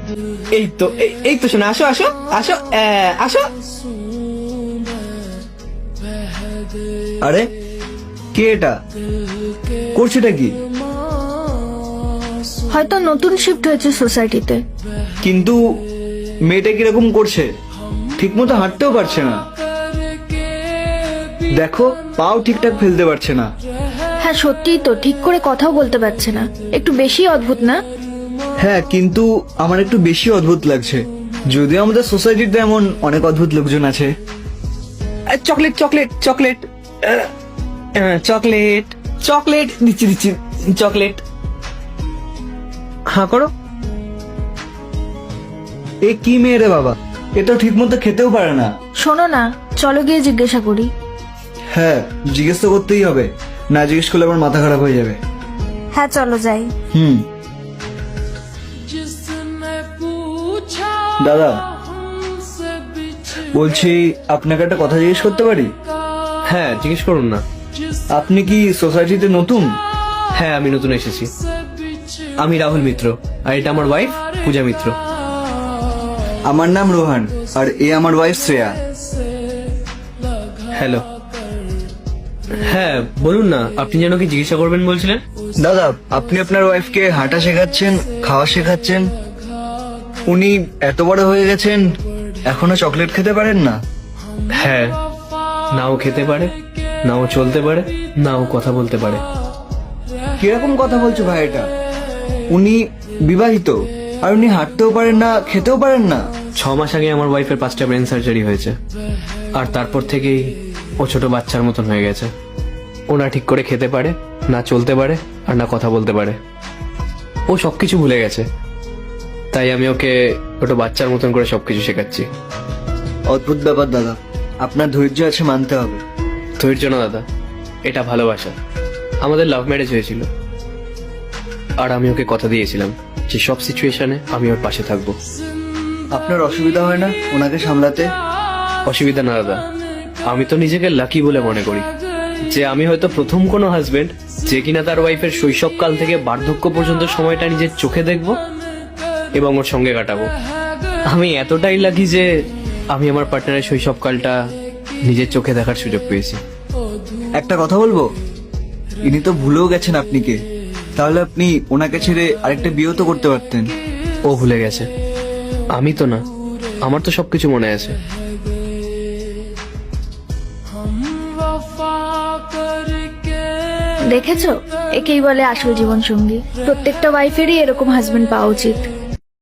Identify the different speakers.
Speaker 1: এই তো শোনা, আসো আসো আসো আসো।
Speaker 2: আরে কে এটা, করছেটা কি?
Speaker 3: হয়তো নতুন শিফট হয়েছে সোসাইটিতে।
Speaker 2: কিন্তু মেয়েটা কিরকম করছে, ঠিক মতো হাঁটতেও পারছে না, দেখো পাও ঠিকঠাক ফেলতে পারছে না।
Speaker 3: হ্যাঁ সত্যিই তো, ঠিক করে কথাও বলতে পারছে না। একটু বেশি অদ্ভুত না?
Speaker 2: হ্যাঁ, কিন্তু আমার একটু বেশি অদ্ভুত লাগছে। যদিও আমাদের সোসাইটিতে এমন অনেক অদ্ভুত লোকজন আছে।
Speaker 1: Chocolate chocolate chocolate chocolate chocolate দিচ্ছি দিচ্ছি চকলেট। হ্যাঁ করো।
Speaker 2: এ কি মেয়ে রে বাবা, এ তো ঠিক মতো খেতেও পারে না।
Speaker 3: শোনো না, চলো গিয়ে জিজ্ঞাসা করি।
Speaker 2: হ্যাঁ, জিজ্ঞেস তো করতেই হবে, না জিজ্ঞেস করলে আমার মাথা খারাপ হয়ে যাবে।
Speaker 3: হ্যাঁ চলো যাই।
Speaker 2: দাদা বলছি, আপনাকে একটা কথা জিজ্ঞেস করতে পারি?
Speaker 4: হ্যাঁ জিজ্ঞেস করুন না।
Speaker 2: আপনি কি সোসাইটিতে নতুন?
Speaker 4: হ্যাঁ আমি নতুন এসেছি। আমি রাহুল মিত্র, আর এটা আমার ওয়াইফ পূজা মিত্র।
Speaker 2: আমার নাম রোহান, আর এ আমার ওয়াইফ শ্রেয়া।
Speaker 4: হ্যালো। হ্যাঁ বলুন না, আপনি যেন কি জিজ্ঞাসা করবেন বলছিলেন?
Speaker 2: দাদা, আপনি আপনার ওয়াইফকে হাঁটা শেখাচ্ছেন, খাওয়া শেখাচ্ছেন, উনি এত বড় হয়ে গেছেন এখনো চকলেট খেতে পারেন না?
Speaker 4: হ্যাঁ, নাও খেতে পারে, নাও চলতে পারে, নাও কথা বলতে পারে।
Speaker 2: কিরকম কথা বলছো ভাই এটা? উনি বিবাহিত, আর উনি হাঁটতেও পারেন না, খেতেও পারেন না।
Speaker 4: 6 মাস আগে আমার ওয়াইফের 5টা ব্রেন সার্জারি হয়েছে, আর তারপর থেকেই ও ছোট বাচ্চার মতন হয়ে গেছে। ও না ঠিক করে খেতে পারে, না চলতে পারে, আর না কথা বলতে পারে। ও সবকিছু ভুলে গেছে, তাই আমি ওকে ছোট বাচ্চার মতন করে সবকিছু শেখাচ্ছি।
Speaker 2: অদ্ভুত ব্যাপার দাদা, আপনার ধৈর্য আছে মানতে হবে।
Speaker 4: ধৈর্য না দাদা, এটা ভালোবাসা। আমাদের লাভ ম্যারেজ হয়েছিল, আর আমি ওকে কথা দিয়েছিলাম যে সব সিচুয়েশনে আমি ওর পাশে থাকবো।
Speaker 2: আপনার অসুবিধা হয় না ওনাকে সামলাতে?
Speaker 4: অসুবিধা না দাদা, আমি তো নিজেকে লাকি বলে মনে করি যে আমি হয়তো প্রথম কোনো হাজবেন্ড যে কিনা তার ওয়াইফের শৈশবকাল থেকে বার্ধক্য পর্যন্ত সময়টা নিজের চোখে দেখবো এবং ওর সঙ্গে কাটাবো। আমি এতটাই লাকি যে আমি আমার পার্টনারের শৈশবকালটা নিজের চোখে দেখার সুযোগ পেয়েছি।
Speaker 2: একটা কথা বলবো, ইনি তো ভুলেও গেছেন আপনি কে। তাহলে আপনি ওনাকে ছেড়ে আরেকটা বিয়েও তো করতে পারতেন।
Speaker 4: ও ভুলে গেছে, আমি তো না। আমার তো সবকিছু মনে আছে।
Speaker 3: দেখেছো, একেই বলে আসল জীবন সঙ্গী। প্রত্যেকটা ওয়াইফেরই এরকম হাজবেন্ড পাওয়া উচিত।